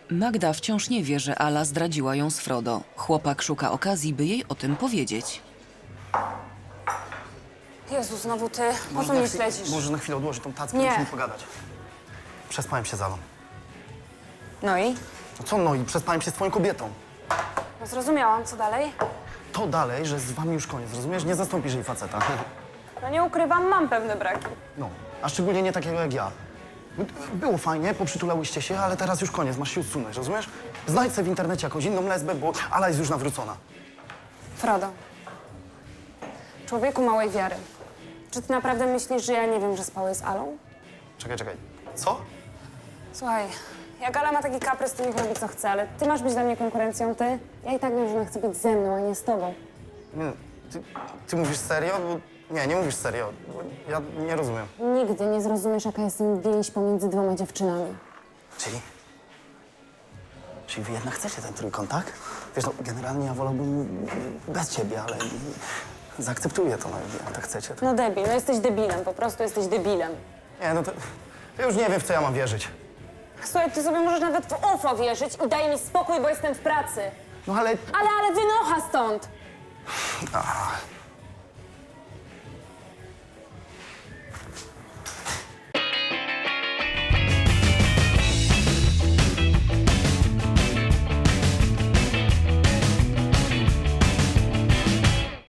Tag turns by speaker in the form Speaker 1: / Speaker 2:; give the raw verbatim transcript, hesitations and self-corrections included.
Speaker 1: Magda wciąż nie wie, że Ala zdradziła ją z Frodo. Chłopak szuka okazji, by jej o tym powiedzieć.
Speaker 2: Jezu, znowu ty. Po
Speaker 3: Może
Speaker 2: co
Speaker 3: na
Speaker 2: mnie
Speaker 3: chwi-
Speaker 2: śledzisz?
Speaker 3: Może na chwilę odłożyć tą tackę,
Speaker 2: Nie.
Speaker 3: musimy pogadać. Przespałem się z Alą.
Speaker 2: No i?
Speaker 3: No co no i przespałem się z twoją kobietą.
Speaker 2: No zrozumiałam, co dalej?
Speaker 3: To dalej, że z wami już koniec, rozumiesz? Nie zastąpisz jej faceta.
Speaker 2: No nie ukrywam, mam pewne braki.
Speaker 3: No, a szczególnie nie takiego jak ja. Było fajnie, poprzytulałyście się, ale teraz już koniec, masz się usunąć, rozumiesz? Znajdź sobie w internecie jakąś inną lesbę, bo Ala jest już nawrócona.
Speaker 2: Frodo. Człowieku małej wiary. Czy ty naprawdę myślisz, że ja nie wiem, że spałeś z Alą?
Speaker 3: Czekaj, czekaj. Co?
Speaker 2: Słuchaj, jak Ala ma taki kaprys, to niech robi co chce, ale ty masz być dla mnie konkurencją, ty? Ja i tak wiem, że ona chce być ze mną, a nie z tobą.
Speaker 3: Nie, ty, ty mówisz serio? Bo, nie, nie mówisz serio. Bo ja nie rozumiem.
Speaker 2: Nigdy nie zrozumiesz, jaka jest więź pomiędzy dwoma dziewczynami.
Speaker 3: Czyli? Czyli wy jednak chcecie ten trójkąt, tak? Wiesz, no, generalnie ja wolałbym bez ciebie, ale zaakceptuję to, no, jak tak chcecie. To...
Speaker 2: No debil, no jesteś debilem, po prostu jesteś debilem.
Speaker 3: Nie, no to... Ja już nie wiem, w co ja mam wierzyć.
Speaker 2: Słuchaj, ty sobie możesz nawet w U F O wierzyć i daj mi spokój, bo jestem w pracy.
Speaker 3: No ale...
Speaker 2: Ale, ale wynocha stąd!
Speaker 3: Ach,